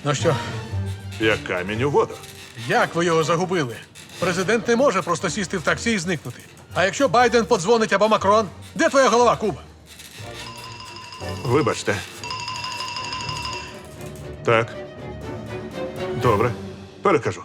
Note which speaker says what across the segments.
Speaker 1: Ну що,
Speaker 2: Як камінь у воду.
Speaker 1: як ви його загубили? Президент не може просто сісти в таксі і зникнути. А якщо Байден подзвонить або Макрон, де твоя голова, Куба?
Speaker 2: Вибачте. Так. Добре. Перекажу.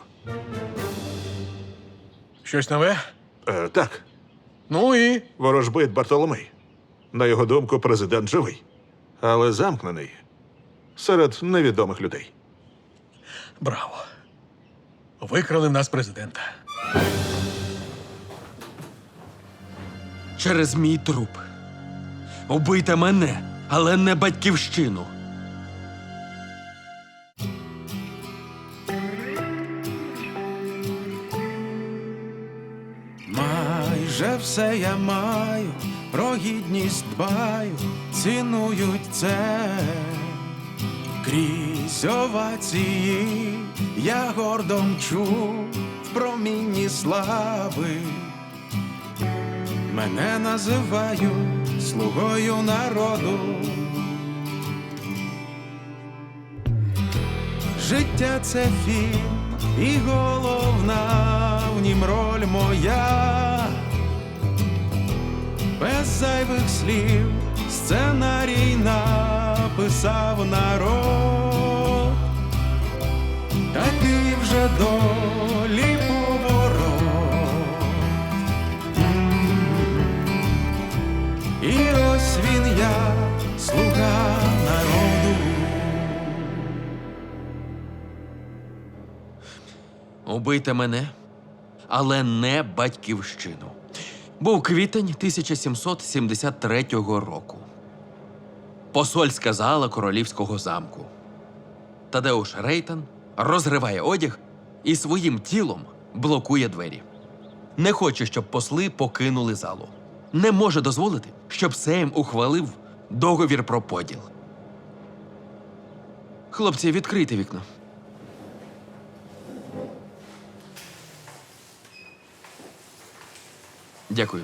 Speaker 1: Щось нове?
Speaker 2: Так.
Speaker 1: Ну і?
Speaker 2: Ворожбит Бартоломей. На його думку, президент живий. Але замкнений. Серед невідомих людей.
Speaker 1: Браво. Викрали в нас президента.
Speaker 3: Через мій труп. Убийте мене, але не батьківщину.
Speaker 4: Майже все я маю, про гідність дбаю, цінують це. Крізь овації я гордо мчу в промінні слави. Мене називають слугою народу. Життя — це фільм, і головна в нім роль моя. Без зайвих слів сценарій написав народ. Такий вже долі поворот. І ось він я, слуга народу.
Speaker 3: Убийте мене, але не батьківщину. Був квітень 1773 року. Посольська зала королівського замку. Тадеуш Рейтан розриває одяг і своїм тілом блокує двері. Не хоче, щоб посли покинули залу. Не може дозволити, щоб Сейм ухвалив договір про поділ. Хлопці, відкрийте вікно. Дякую.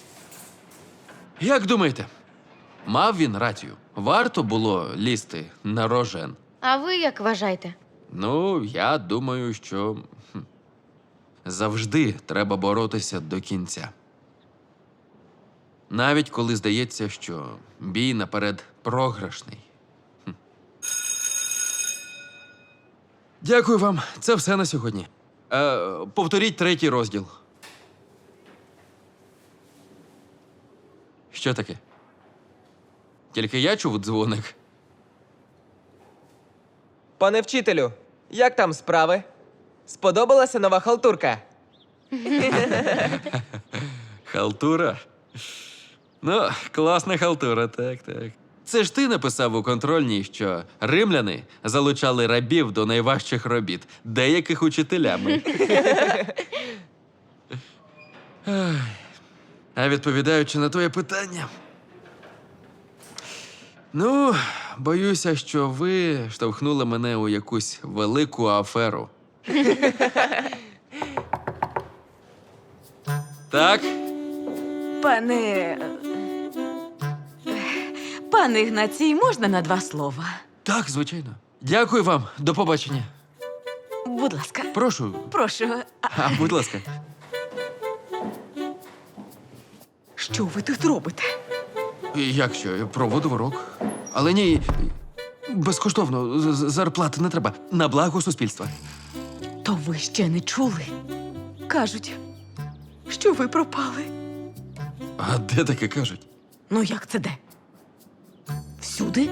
Speaker 3: Як думаєте, мав він рацію? Варто було лізти на рожен?
Speaker 5: А ви як вважаєте?
Speaker 3: Ну, я думаю, що завжди треба боротися до кінця. Навіть коли здається, що бій наперед програшний. Дякую вам. Це все на сьогодні. Повторіть 3-й розділ. Що таке? Тільки я чув дзвоник.
Speaker 6: Пане вчителю, як там справи? Сподобалася нова халтурка?
Speaker 3: Халтура? Ну, класна халтура, так. Це ж ти написав у контрольній, що римляни залучали рабів до найважчих робіт, деяких учителями. Ай. А відповідаючи на твоє питання. Ну, боюся, що ви штовхнули мене у якусь велику аферу. Так?
Speaker 7: Пане Ігнацій, можна на 2 слова?
Speaker 3: Так, звичайно. Дякую вам. До побачення.
Speaker 7: Будь ласка.
Speaker 3: Прошу.
Speaker 7: Прошу.
Speaker 3: Будь ласка.
Speaker 7: Що ви тут робите?
Speaker 3: Як що? Я проводу урок. Але ні, безкоштовно. Зарплати не треба. На благо суспільства.
Speaker 7: То ви ще не чули? Кажуть, що ви пропали.
Speaker 3: А де таке кажуть?
Speaker 7: Ну як це де? Всюди?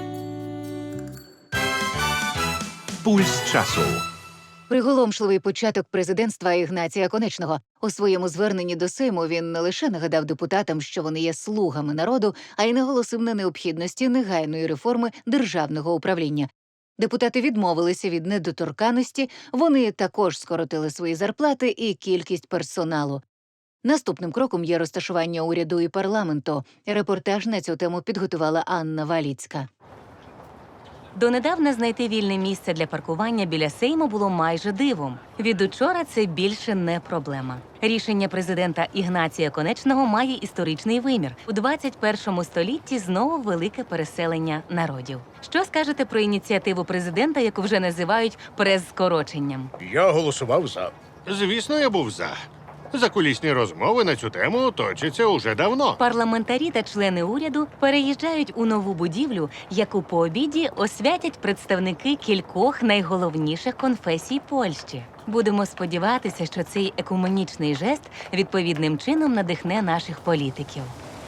Speaker 8: Пульс часу.
Speaker 9: Приголомшливий початок президентства Ігнація Конечного. У своєму зверненні до Сейму він не лише нагадав депутатам, що вони є слугами народу, а й наголосив на необхідності негайної реформи державного управління. Депутати відмовилися від недоторканності, вони також скоротили свої зарплати і кількість персоналу. Наступним кроком є розташування уряду і парламенту. Репортаж на цю тему підготувала Анна Валіцька.
Speaker 5: Донедавна знайти вільне місце для паркування біля Сейму було майже дивом. Від учора це більше не проблема. Рішення президента Ігнатія Конечного має історичний вимір. У 21 столітті знову велике переселення народів. Що скажете про ініціативу президента, яку вже називають прес-скороченням?
Speaker 10: Я голосував за. Звісно, я був за. Закулісні розмови на цю тему точаться уже давно.
Speaker 5: Парламентарі та члени уряду переїжджають у нову будівлю, яку по обіді освятять представники кількох найголовніших конфесій Польщі. Будемо сподіватися, що цей екуменічний жест відповідним чином надихне наших політиків.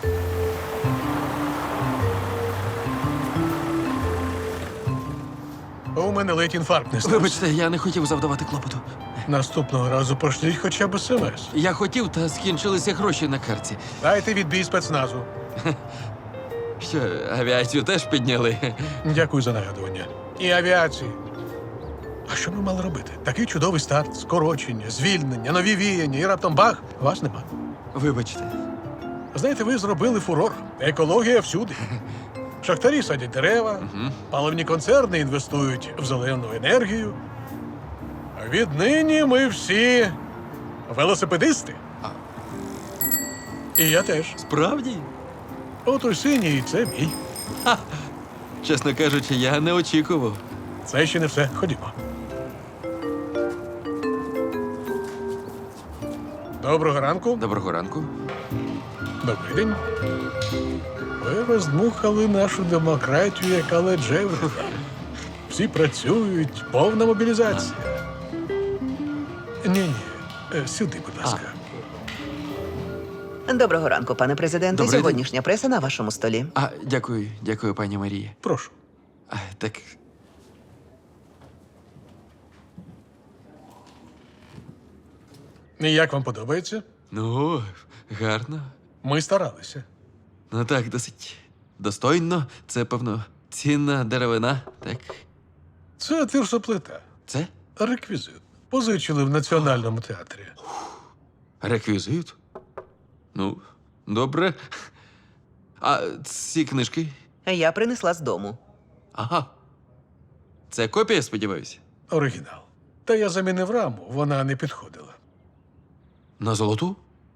Speaker 1: У мене ледь інфаркт не стався.
Speaker 3: Вибачте, я не хотів завдавати клопоту.
Speaker 1: Наступного разу пошліть хоча б смс.
Speaker 3: Я хотів, та скінчилися гроші на картці.
Speaker 1: Дайте відбій спецназу.
Speaker 3: Що, авіацію теж підняли?
Speaker 1: Дякую за нагадування. І авіації. А що ми мали робити? Такий чудовий старт, скорочення, звільнення, нові віяння, і раптом бах, вас нема.
Speaker 3: Вибачте.
Speaker 1: Знаєте, ви зробили фурор. Екологія всюди. Шахтарі садять дерева, паливні концерни інвестують в зелену енергію. Віднині ми всі велосипедисти. І я теж.
Speaker 3: Справді?
Speaker 1: От у синій це мій.
Speaker 3: Чесно кажучи, я не очікував.
Speaker 1: Це ще не все. Ходімо. Доброго ранку.
Speaker 3: Доброго ранку.
Speaker 1: Добрий день. Ви роздмухали нашу демократію, яка леджевра. Всі працюють, повна мобілізація. Ні-ні, сюди, будь ласка.
Speaker 11: Доброго ранку, пане президенте.
Speaker 3: Добрий день.
Speaker 11: Сьогоднішня преса на вашому столі.
Speaker 3: Дякую, пані Марія.
Speaker 1: Прошу.
Speaker 3: Так.
Speaker 1: І як вам подобається?
Speaker 3: Ну, гарно.
Speaker 1: Ми старалися.
Speaker 3: Ну так, досить достойно. Це, певно, цінна деревина, так?
Speaker 1: Це тирсоплита.
Speaker 3: Це
Speaker 1: Реквізит. Позичили в Національному театрі.
Speaker 3: реквізит. Ну, добре. А ці книжки?
Speaker 11: Я принесла з дому.
Speaker 3: Ага. Це копія, сподіваюся?
Speaker 1: Оригінал. Та я замінив раму, вона не підходила.
Speaker 3: На золоту?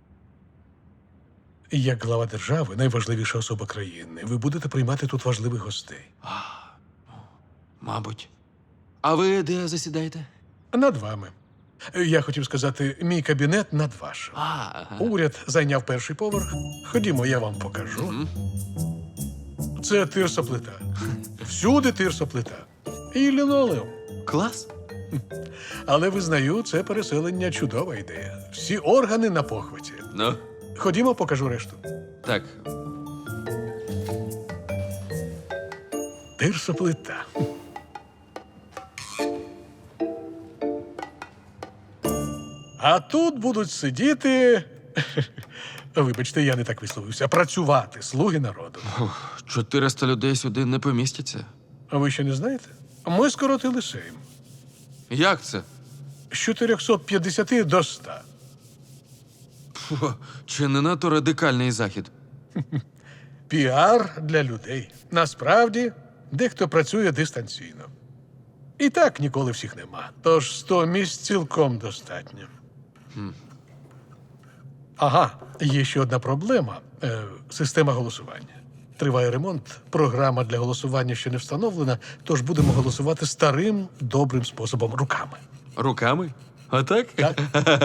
Speaker 1: Як глава держави, найважливіша особа країни, ви будете приймати тут важливих гостей.
Speaker 3: Мабуть. А ви де засідаєте?
Speaker 1: Над вами. Я хотів сказати, мій кабінет над вашим.
Speaker 3: Ага.
Speaker 1: Уряд зайняв перший поверх. Ходімо, я вам покажу. Це тирсоплита. Всюди тирсоплита. І лінолеум.
Speaker 3: Клас.
Speaker 1: Але визнаю, це переселення чудова ідея. Всі органи на похваті.
Speaker 3: Ну,
Speaker 1: Ходімо, покажу решту.
Speaker 3: так.
Speaker 1: Тирсоплита. А тут будуть сидіти. Вибачте, я не так висловився. Працювати слуги народу.
Speaker 3: 400 людей сюди не помістяться.
Speaker 1: А ви ще не знаєте? Ми скоротили Сейм.
Speaker 3: Як це?
Speaker 1: З 450 до 100.
Speaker 3: Фу, чи не надто радикальний захід?
Speaker 1: Піар для людей. Насправді, дехто працює дистанційно. І так ніколи всіх нема. Тож 100 місць цілком достатньо. Ага, є ще одна проблема. Система голосування. Триває ремонт, програма для голосування ще не встановлена, тож будемо голосувати старим, добрим способом – руками.
Speaker 3: Руками? Отак?
Speaker 1: Так?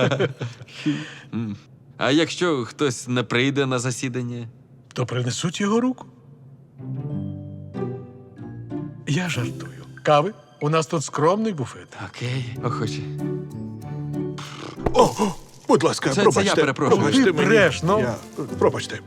Speaker 3: А якщо хтось не прийде на засідання?
Speaker 1: То принесуть його руку. Я жартую. Кави? У нас тут скромний буфет.
Speaker 3: Окей, охоче.
Speaker 2: О, будь ласка,
Speaker 3: Це
Speaker 2: пробачте.
Speaker 3: я перепрошую.
Speaker 2: Пробачте
Speaker 1: Ти
Speaker 2: мені.
Speaker 1: бреш, ну.
Speaker 2: Пробачте.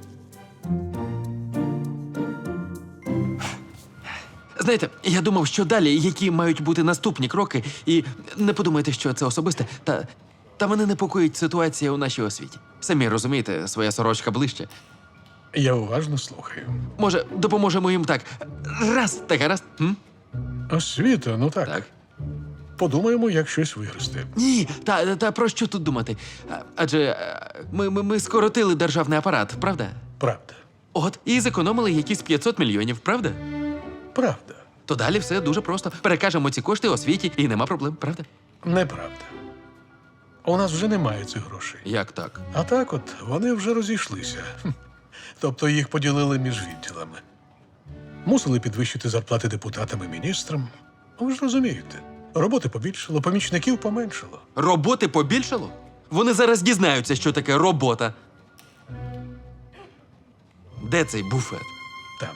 Speaker 3: Знаєте, я думав, що далі, які мають бути наступні кроки, і не подумайте, що це особисте, та мене непокоїть ситуація у нашій освіті. Самі розумієте, своя сорочка ближче.
Speaker 1: Я уважно слухаю.
Speaker 3: Може, допоможемо їм так. Раз, та гаразд?
Speaker 1: Освіта, ну так.
Speaker 3: Так.
Speaker 1: Подумаємо, як щось вигрести.
Speaker 3: Ні, та про що тут думати? Адже ми скоротили державний апарат, правда?
Speaker 1: Правда.
Speaker 3: От, і зекономили якісь 500 мільйонів, правда?
Speaker 1: Правда.
Speaker 3: то далі все дуже просто. Перекажемо ці кошти освіті і нема проблем, правда?
Speaker 1: Неправда. У нас вже немає цих грошей.
Speaker 3: Як так?
Speaker 1: А так от, вони вже розійшлися. Тобто їх поділили між відділами. Мусили підвищити зарплати депутатам і міністрам. Ви ж розумієте, роботи побільшало, помічників поменшало.
Speaker 3: Роботи побільшало? Вони зараз дізнаються, що таке робота. Де цей буфет?
Speaker 1: Там.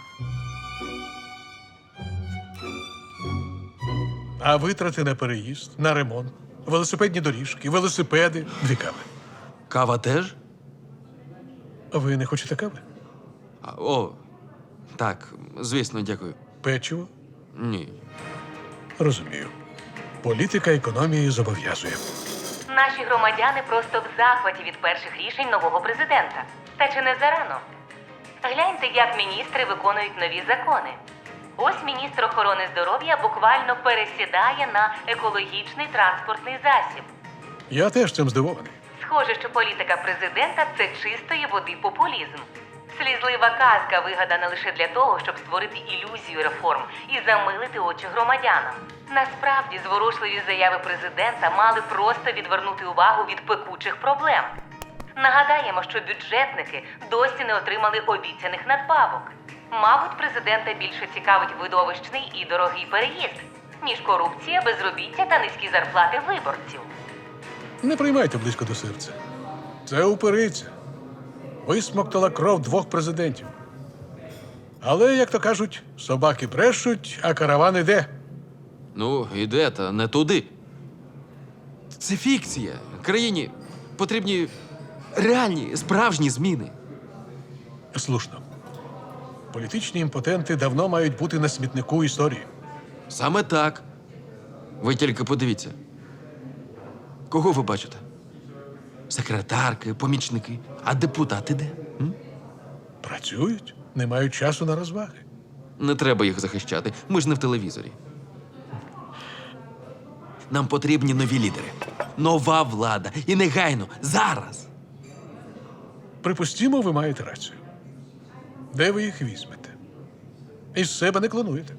Speaker 1: А витрати на переїзд, на ремонт, велосипедні доріжки, велосипеди, 2 кави.
Speaker 3: Кава теж?
Speaker 1: Ви не хочете кави?
Speaker 3: О, так, звісно, дякую.
Speaker 1: Печиво?
Speaker 3: Ні.
Speaker 1: Розумію. Політика економії зобов'язує.
Speaker 5: Наші громадяни просто в захваті від перших рішень нового президента. Та чи не зарано? Гляньте, як міністри виконують нові закони. Ось міністр охорони здоров'я буквально пересідає на екологічний транспортний засіб.
Speaker 1: Я теж цим здивований.
Speaker 5: Схоже, що політика президента – це чистої води популізм. Слізлива казка, вигадана лише для того, щоб створити ілюзію реформ і замилити очі громадянам. Насправді, зворушливі заяви президента мали просто відвернути увагу від пекучих проблем. Нагадаємо, що бюджетники досі не отримали обіцяних надбавок. Мабуть, президента більше цікавить видовищний і дорогий переїзд, ніж корупція, безробіття та низькі зарплати виборців.
Speaker 1: Не приймайте близько до серця. Це упириця. Висмоктала кров 2 президентів. Але, як то кажуть, собаки брешуть, а караван іде.
Speaker 3: Ну, іде, та не туди. Це фікція. Країні потрібні реальні, справжні зміни.
Speaker 1: Слушно. Політичні імпотенти давно мають бути на смітнику історії.
Speaker 3: Саме так. Ви тільки подивіться. Кого ви бачите? Секретарки, помічники. А депутати де?
Speaker 1: Працюють, не мають часу на розваги.
Speaker 3: Не треба їх захищати. Ми ж не в телевізорі. Нам потрібні нові лідери. Нова влада. І негайно. Зараз.
Speaker 1: Припустімо, ви маєте рацію. Де ви їх візьмете? Із себе не клонуєте.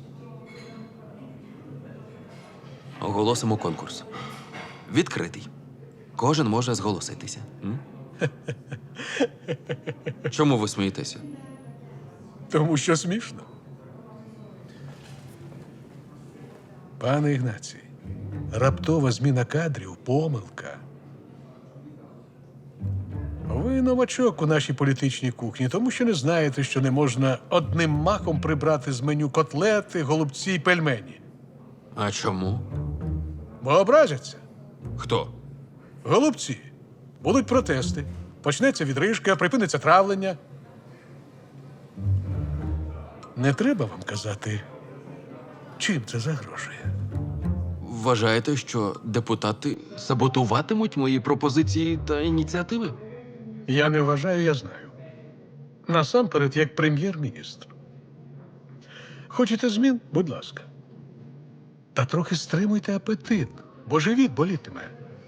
Speaker 3: Оголосимо конкурс. Відкритий. Кожен може зголоситися. Чому ви смієтеся?
Speaker 1: Тому що смішно. Пане Ігнацій, раптова зміна кадрів – помилка. Ви новачок у нашій політичній кухні, тому що не знаєте, що не можна одним махом прибрати з меню котлети, голубці й пельмені.
Speaker 3: А чому?
Speaker 1: Бо образяться.
Speaker 3: Хто?
Speaker 1: Голубці. Будуть протести. Почнеться відрижка, припиниться травлення. Не треба вам казати, чим це загрожує.
Speaker 3: Вважаєте, що депутати саботуватимуть мої пропозиції та ініціативи?
Speaker 1: Я не вважаю, я знаю. Насамперед, як прем'єр-міністр. Хочете змін? Будь ласка. Та трохи стримуйте апетит, бо живіт болітиме.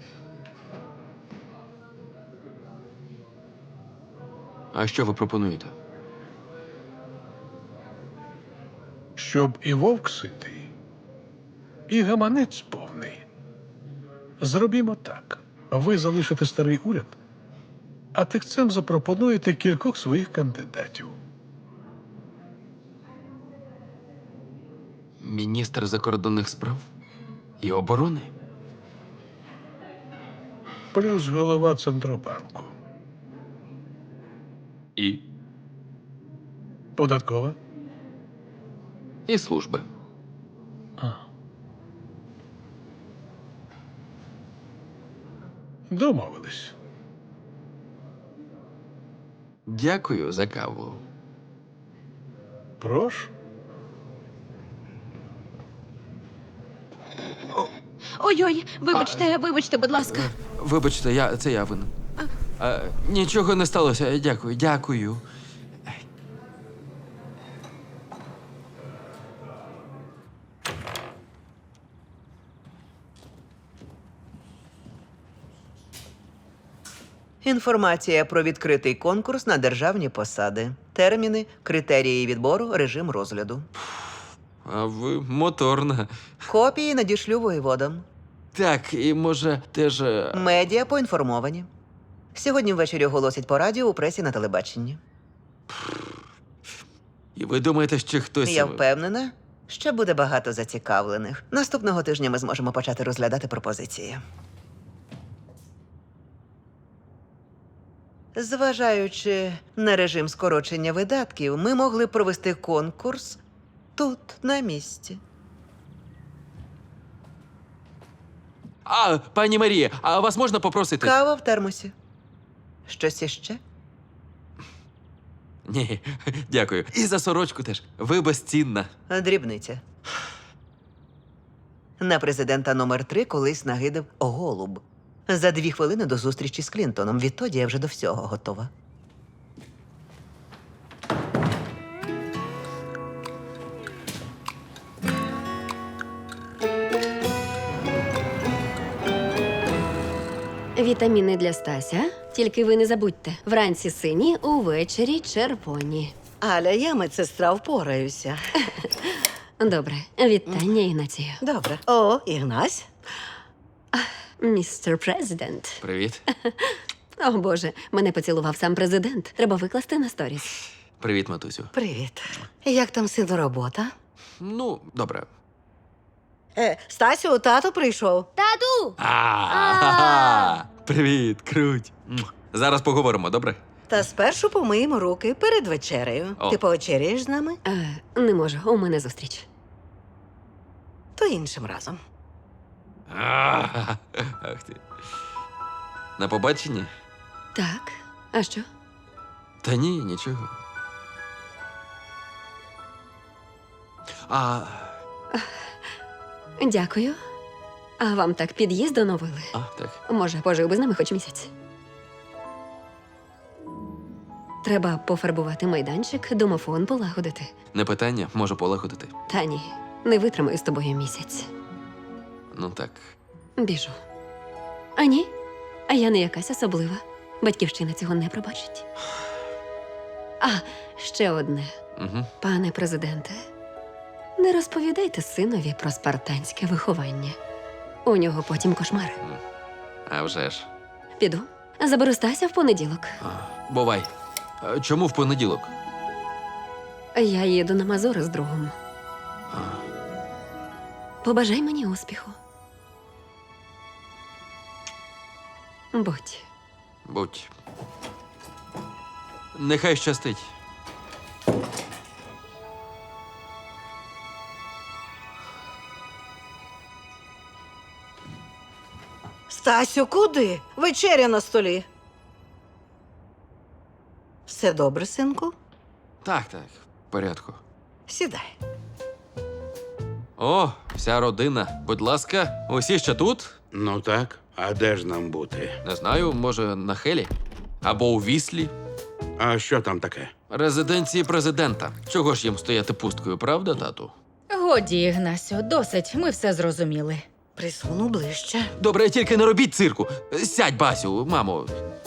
Speaker 3: А що ви пропонуєте?
Speaker 1: Щоб і вовк ситий, і гаманець повний. Зробімо так. Ви залишите старий уряд, а тихцем запропонуєте кількох своїх кандидатів.
Speaker 3: Міністр закордонних справ і оборони?
Speaker 1: Плюс голова Центробанку.
Speaker 3: І?
Speaker 1: Податкова.
Speaker 3: І служби.
Speaker 1: Домовились.
Speaker 3: Дякую за каву.
Speaker 1: Прошу.
Speaker 7: Ой-ой, вибачте, будь ласка.
Speaker 3: Вибачте, це я винен. Нічого не сталося. Дякую.
Speaker 11: Інформація про відкритий конкурс на державні посади. Терміни, критерії відбору, режим розгляду.
Speaker 3: А ви моторна.
Speaker 11: Копії надішлю воєводам.
Speaker 3: Так, і може теж.
Speaker 11: Медіа поінформовані. Сьогодні ввечері оголосять по радіо, у пресі, на телебаченні.
Speaker 3: І ви думаєте, що хтось.
Speaker 11: Я впевнена, що буде багато зацікавлених. Наступного тижня ми зможемо почати розглядати пропозиції. Зважаючи на режим скорочення видатків, ми могли б провести конкурс тут, на місці.
Speaker 3: А, пані Марія, а вас можна попросити?
Speaker 11: Кава в термосі. Щось іще?
Speaker 3: Ні, дякую. І за сорочку теж. Ви безцінна.
Speaker 11: Дрібниця. На президента номер 3 колись нагидав голуб. За 2 хвилини до зустрічі з Клінтоном. Відтоді я вже до всього готова.
Speaker 12: Вітаміни для Стася. Тільки ви не забудьте. Вранці сині, увечері червоні.
Speaker 7: Аля, я медсестра, впораюся.
Speaker 12: Добре. Вітання, Ігнатію.
Speaker 7: Добре. О, Ігнась.
Speaker 12: Містер Президент.
Speaker 3: Привіт.
Speaker 12: О, Боже, мене поцілував сам президент. Треба викласти на сторіс.
Speaker 3: Привіт, матусю.
Speaker 7: Привіт. Як там сину робота?
Speaker 3: Ну, добре.
Speaker 7: Стасю, тато прийшов.
Speaker 3: Привіт, круть. Зараз поговоримо, добре?
Speaker 7: Та спершу помиємо руки перед вечерею.
Speaker 3: О.
Speaker 7: Ти повечеряєш з нами?
Speaker 12: Не можу, у мене зустріч.
Speaker 7: То іншим разом.
Speaker 3: Ах ти. На побачення?
Speaker 12: Так. А що?
Speaker 3: Та ні, нічого. А,
Speaker 12: Дякую. А вам так під'їзд оновили?
Speaker 3: так.
Speaker 12: Може, пожив би з нами хоч місяць. Треба пофарбувати майданчик, домофон полагодити.
Speaker 3: Не питання, можу полагодити.
Speaker 12: Та ні, не витримаю з тобою місяць.
Speaker 3: Ну так.
Speaker 12: Біжу. А ні, а я не якась особлива. Батьківщина цього не пробачить. А, ще одне.
Speaker 3: Угу.
Speaker 12: Пане президенте, не розповідайте синові про спартанське виховання. У нього потім кошмари.
Speaker 3: А вже ж.
Speaker 12: Піду. Заберу Стася в понеділок.
Speaker 3: Бувай. А чому в понеділок?
Speaker 12: Я їду на Мазури з другом. Побажай мені успіху. Будь.
Speaker 3: Будь. Нехай щастить.
Speaker 7: Стасю, куди? Вечеря на столі. Все добре, синку?
Speaker 3: Так, в порядку.
Speaker 7: Сідай.
Speaker 3: О, вся родина. Будь ласка, усі ще тут?
Speaker 10: Ну так, а де ж нам бути?
Speaker 3: Не знаю, може, на Хелі? Або у Віслі?
Speaker 10: А що там таке?
Speaker 3: Резиденції президента. Чого ж їм стояти пусткою, правда, тату?
Speaker 5: Годі, Ігнасю, досить, ми все зрозуміли.
Speaker 7: Присуну ближче.
Speaker 3: Добре, тільки не робіть цирку. Сядь, Басю, мамо.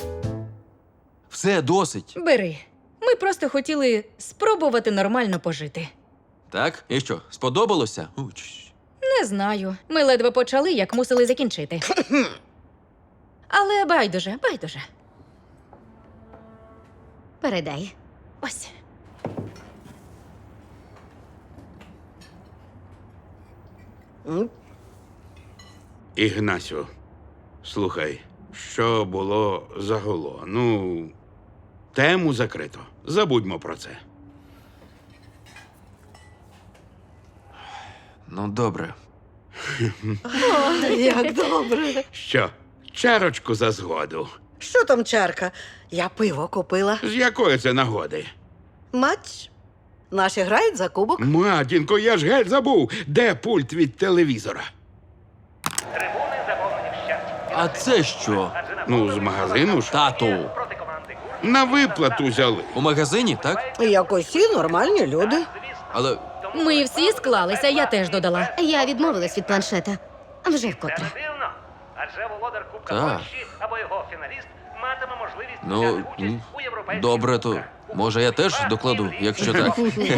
Speaker 3: Все, досить.
Speaker 5: Бери. Ми просто хотіли спробувати нормально пожити.
Speaker 3: Так? І що, сподобалося?
Speaker 5: Не знаю. Ми ледве почали, як мусили закінчити. Але байдуже. Передай. Ось.
Speaker 10: Ігнасю, слухай, що було загуло? Ну, тему закрито. Забудьмо про це.
Speaker 3: Ну, добре.
Speaker 7: Як добре.
Speaker 10: Що, чарочку за згоду?
Speaker 7: Що там чарка? Я пиво купила.
Speaker 10: З якої це нагоди?
Speaker 7: Матч. Наші грають за кубок.
Speaker 10: Матінко, я ж геть забув, де пульт від телевізора?
Speaker 3: А це що?
Speaker 10: Ну, з магазину ж.
Speaker 3: Тату.
Speaker 10: На виплату взяли.
Speaker 3: У магазині, так?
Speaker 7: Як усі нормальні люди.
Speaker 3: Але
Speaker 5: Ми всі склалися, я теж додала.
Speaker 12: Я відмовилась від планшета. Вже вкотре.
Speaker 13: Адже володар Кубка
Speaker 3: Так.
Speaker 13: Польщі або його фіналіст матиме можливість
Speaker 3: Ну,
Speaker 13: взяти участь у європейських
Speaker 3: добре, то
Speaker 13: кубках.
Speaker 3: Може, я теж докладу, якщо так.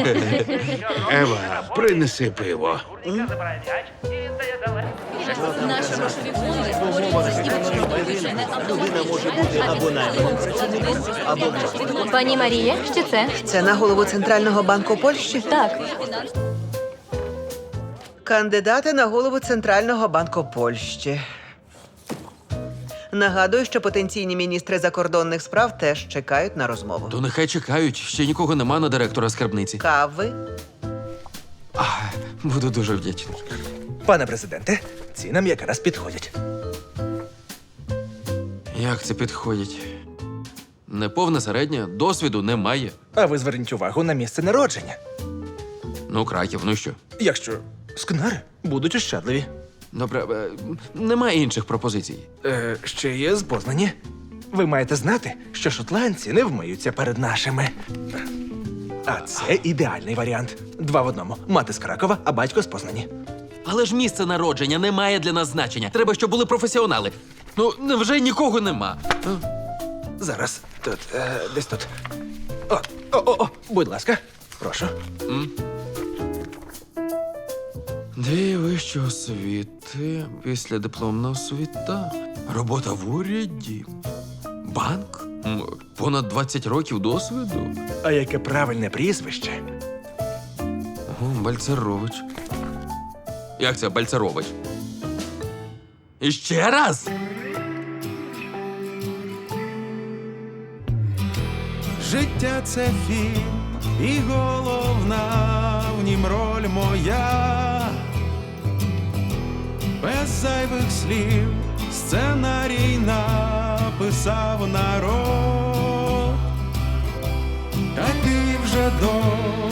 Speaker 10: Ева, принеси пиво.
Speaker 13: Курніка забирає м'яч і дає далеко.
Speaker 12: Наші грошові фонди створюють. Пані Марія, що це?
Speaker 11: Це на голову Центрального банку Польщі?
Speaker 12: Так.
Speaker 11: Кандидати на голову Центрального банку Польщі. Нагадую, що потенційні міністри закордонних справ теж чекають на розмову.
Speaker 3: То нехай чекають, ще нікого нема на директора скарбниці.
Speaker 11: Кави.
Speaker 3: Буду дуже вдячний.
Speaker 4: Пане президенте, ці нам якраз підходять.
Speaker 3: Як це підходить? Неповна середня, досвіду немає.
Speaker 4: А ви зверніть увагу на місце народження.
Speaker 3: Ну, Краків, ну що?
Speaker 4: Якщо скнари будуть ощадливі.
Speaker 3: Добре, немає інших пропозицій.
Speaker 4: Ще є з Познані. Ви маєте знати, що шотландці не вмиються перед нашими. А це ідеальний варіант. 2 в 1. Мати з Кракова, а батько з Познані.
Speaker 3: Але ж місце народження не має для нас значення. Треба, щоб були професіонали. Ну, невже нікого нема?
Speaker 4: Зараз тут, десь тут. О, будь ласка, прошу.
Speaker 3: Дві вищі освіти, післядипломна освіта, робота в уряді, банк, понад 20 років досвіду.
Speaker 4: А яке правильне прізвище?
Speaker 3: О, Бальцерович. Як це Бальцерович? І ще раз?
Speaker 4: Життя це фільм, і головна в нім роль моя. Без зайвих слів сценарій написав народ. Такий вже до